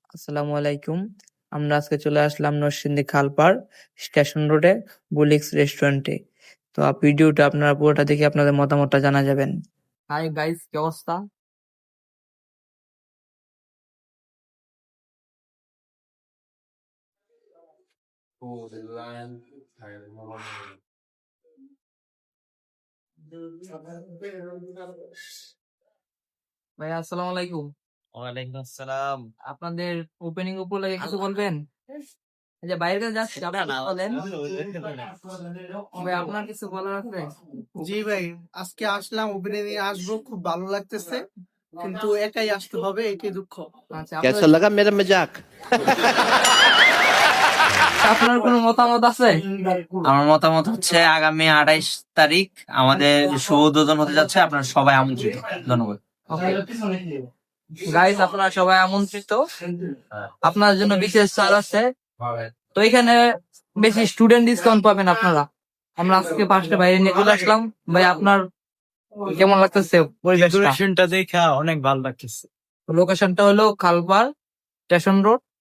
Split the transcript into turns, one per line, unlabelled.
আসসালামু আলাইকুম। আমরা আজকে চলে আসলাম নরসিংদী খালপাড় স্টেশন রোডে বুলিক্স রেস্টুরেন্টে। তো ভিডিওটা আপনারা পুরোটা দেখে আপনাদের মতামতটা জানা যাবেন। হাই গাইস, কি অবস্থা? ভাই আসসালামু আলাইকুম।
ওয়ালাইকুম আসসালাম।
আপনাদের ওপেনিং উপলক্ষে কিছু বলবেন? এই যে বাইরে যাচ্ছি আপনারা বলেন। ভাই আপনার কিছু বলার আছে?
জি ভাই, আজকে আসলাম, ওপেনিং এ আসবো, খুব ভালো লাগতেছে, কিন্তু একাই আসতে হবে, এটাই দুঃখ।
আচ্ছা,
कैसा लगा मेरा मजाक?
আপনার কোনো মতামত আছে?
আমার মতামত হচ্ছে আগামী 28 তারিখ আমাদের শুভ উদ্বোধন হতে যাচ্ছে, আপনারা সবাই আমন্ত্রিত। ধন্যবাদ।
গাইস, আপনারা সবাই আমন্ত্রিত। আপনার জন্য বিশেষ ছাড় আছে। তো এখানে বেশি স্টুডেন্ট ডিসকাউন্ট পাবেন আপনারা। আমরা আজকে পাঁচটা বাইরে নিয়ে চলে আসলাম। ভাই আপনার কেমন লাগতেছে পরিবেশটা?
ডেকোরেশনটা দেখা অনেক ভালো লাগতেছে।
লোকেশনটা হলো খালপাড় স্টেশন রোড